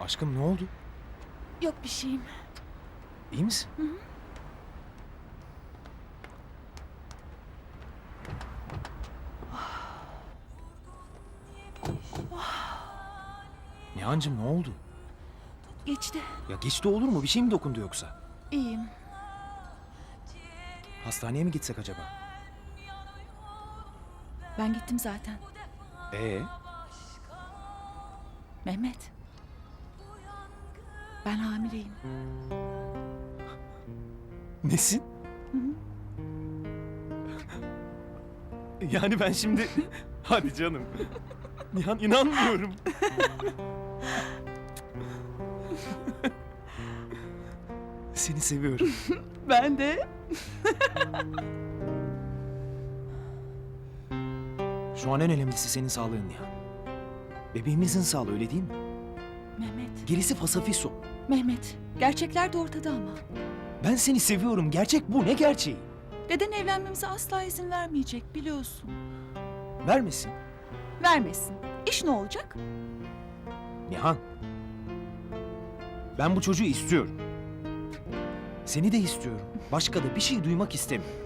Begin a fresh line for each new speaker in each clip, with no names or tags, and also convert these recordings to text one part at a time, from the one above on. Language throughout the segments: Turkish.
Aşkım ne oldu?
Yok bir şeyim.
İyi misin?
Hı hı.
Nihan'cığım ne oldu?
Geçti.
Ya geçti olur mu? Bir şey mi dokundu yoksa?
İyiyim.
Hastaneye mi gitsek acaba?
Ben gittim zaten. Mehmet. Ben hamileyim.
Nesin?
Hı hı.
Yani ben şimdi... Hadi canım. Nihan inanmıyorum. Seni seviyorum.
Ben de.
Şu an en önemlisi senin sağlığın Nihan. Bebeğimizin sağlığı öyle değil mi?
Mehmet.
Gerisi fasafiso.
Mehmet. Gerçekler de ortada ama.
Ben seni seviyorum. Gerçek bu. Ne gerçeği?
Deden evlenmemize asla izin vermeyecek biliyorsun.
Vermesin.
Vermesin. İş ne olacak?
Nihan. Ben bu çocuğu istiyorum. Seni de istiyorum. Başka da bir şey duymak istemiyorum.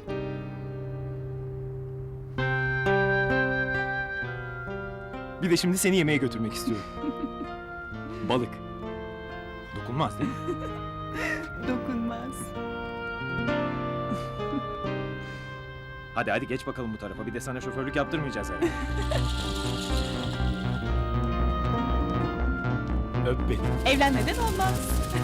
Bir de şimdi seni yemeğe götürmek istiyorum. Balık. Dokunmaz değil mi?
Dokunmaz.
Hadi geç bakalım bu tarafa. Bir de sana şoförlük yaptırmayacağız herhalde. Öp beni.
Evlenmeden olmaz.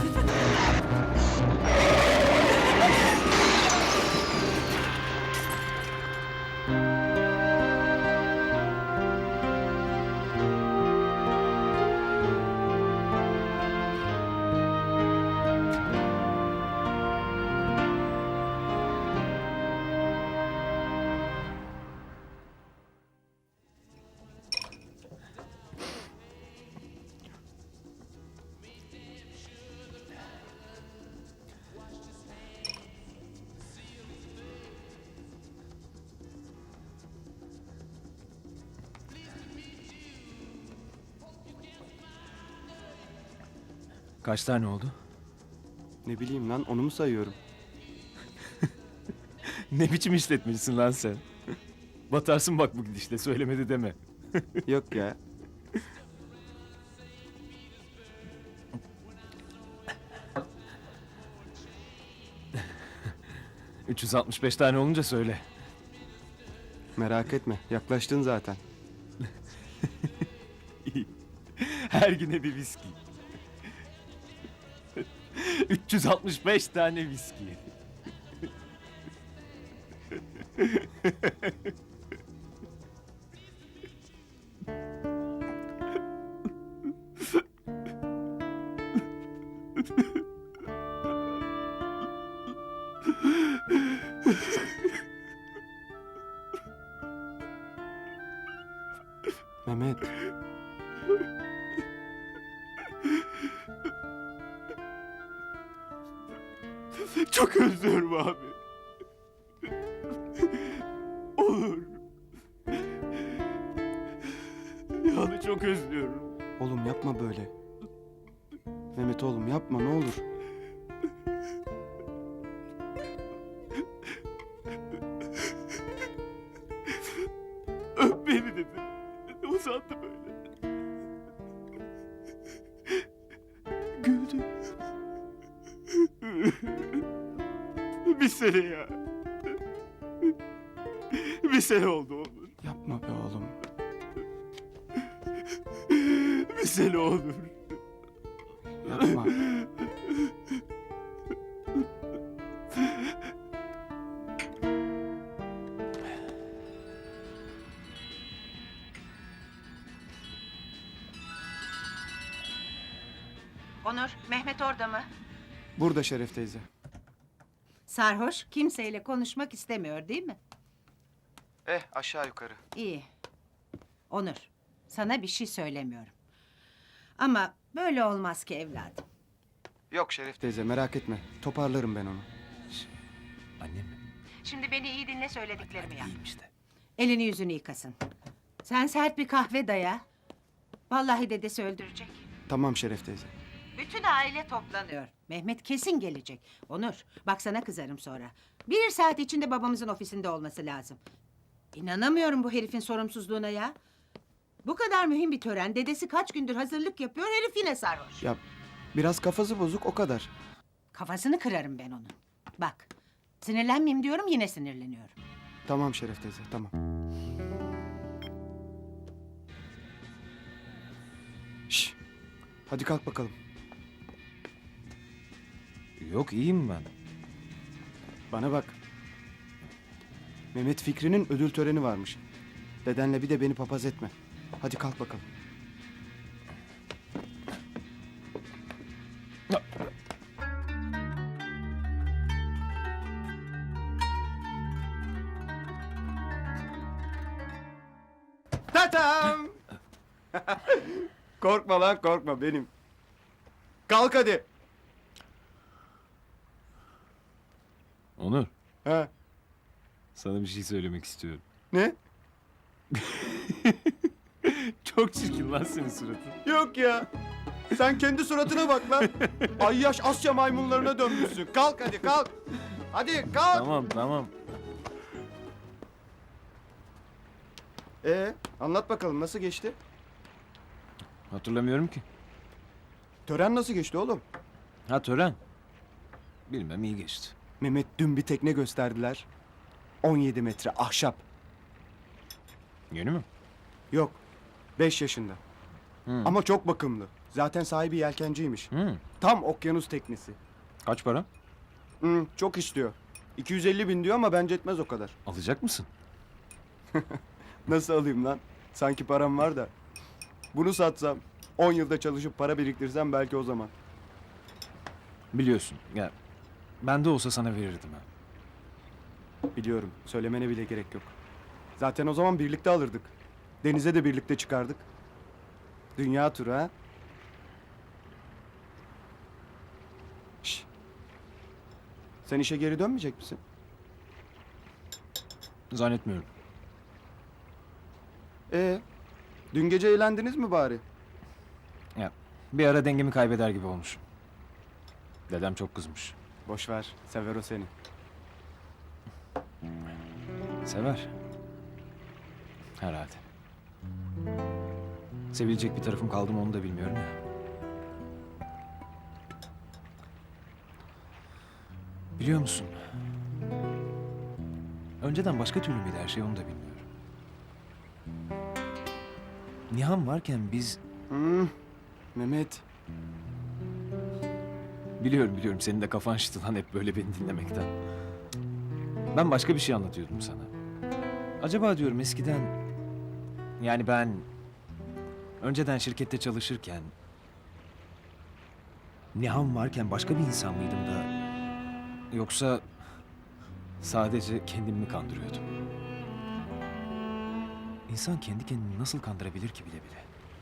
Kaç tane oldu?
Ne bileyim lan, onu mu sayıyorum?
Ne biçim işletmecisin lan sen? Batarsın bak bu gidişle. Söylemedi deme.
Yok ya.
...365 tane olunca söyle.
Merak etme, yaklaştın zaten.
Her güne bir viski. 365 tane viski.
Mehmet,
Çok özlüyorum abi. Olur. Nihan'ı çok özlüyorum.
oğlum yapma böyle. Mehmet oğlum yapma, ne olur.
Öp beni dedim. Uzandı böyle. Güldü. Bir sene ya. Bir sene oldu olur.
Yapma be oğlum.
Bir sene olur.
Yapma.
Onur, Mehmet orada mı?
Burada Şeref teyze.
Sarhoş, kimseyle konuşmak istemiyor değil mi?
Aşağı yukarı.
İyi. Onur, sana bir şey söylemiyorum. Ama böyle olmaz ki evladım.
Yok Şeref teyze, merak etme. Toparlarım ben onu.
Annem mi?
Şimdi beni iyi dinle, söylediklerimi yap.
İyiyim işte.
Elini yüzünü yıkasın. Sen sert bir kahve daya. Vallahi dedesi öldürecek.
Tamam Şeref teyze.
Bütün aile toplanıyor. Mehmet kesin gelecek. Onur, bak sana kızarım sonra. 1 saat içinde babamızın ofisinde olması lazım. İnanamıyorum bu herifin sorumsuzluğuna ya. Bu kadar mühim bir tören. Dedesi kaç gündür hazırlık yapıyor. Herif yine sarhoş.
Ya biraz kafası bozuk o kadar.
Kafasını kırarım ben onun. Bak, sinirlenmeyeyim diyorum yine sinirleniyorum.
Tamam Şeref teyze tamam. Şş, hadi kalk bakalım.
Yok iyiyim ben.
Bana bak. Mehmet Fikri'nin ödül töreni varmış. Dedenle bir de beni papaz etme. Hadi kalk bakalım. Tatam! Korkma lan korkma benim. Kalk hadi.
Onur,
Ha,
sana bir şey söylemek istiyorum.
ne?
Çok çirkin lan senin suratın.
Yok ya. Sen kendi suratına bak lan. Ayyaş Asya maymunlarına dönmüşsün. Kalk hadi kalk. Hadi kalk.
Tamam.
Anlat bakalım nasıl geçti?
Hatırlamıyorum ki.
Tören nasıl geçti oğlum?
Ha tören. Bilmem iyi geçti.
Mehmet dün bir tekne gösterdiler. 17 metre ahşap.
Yeni mi?
Yok. 5 yaşında.
Hı.
Ama çok bakımlı. Zaten sahibi yelkenciymiş.
Hı.
Tam okyanus teknesi.
Kaç para?
Çok istiyor. 250 bin diyor ama bence etmez o kadar.
Alacak mısın?
Nasıl alayım lan? Sanki param var da. Bunu satsam 10 yılda çalışıp para biriktirsem belki o zaman.
Biliyorsun. Ya bende olsa sana verirdim ha.
Biliyorum. Söylemene bile gerek yok. Zaten o zaman birlikte alırdık. Denize de birlikte çıkardık. Dünya turu ha? Şş. Sen işe geri dönmeyecek misin?
Zannetmiyorum.
Dün gece eğlendiniz mi bari?
Ya bir ara dengemi kaybeder gibi olmuşum. Dedem çok kızmış.
Boş ver. Sever o seni.
Sever. Herhalde. Sevilecek bir tarafım kaldı mı onu da bilmiyorum ya. Biliyor musun? Önceden başka türlü müydü her şey onu da bilmiyorum. Nihan varken biz...
Mehmet.
Biliyorum senin de kafan şişti lan hep böyle beni dinlemekten. Ben başka bir şey anlatıyordum sana. Acaba diyorum eskiden... Yani ben... Önceden şirkette çalışırken... Nihan varken başka bir insan mıydım da... Yoksa... Sadece kendimi mi kandırıyordum? İnsan kendi kendini nasıl kandırabilir ki bile bile?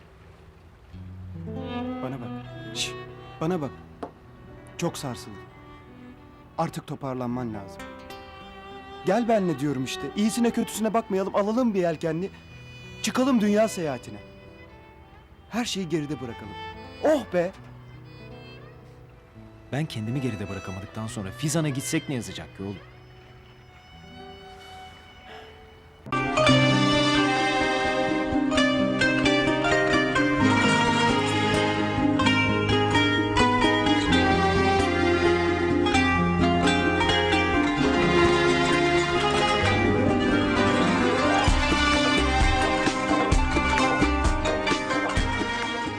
Bana bak. Şş, bana bak. Çok sarsıldım. Artık toparlanman lazım. Gel benle diyorum işte. İyisine kötüsüne bakmayalım. Alalım bir yelkenli. Çıkalım dünya seyahatine. Her şeyi geride bırakalım. Oh be!
Ben kendimi geride bırakamadıktan sonra Fizan'a gitsek ne yazacak ki oğlum?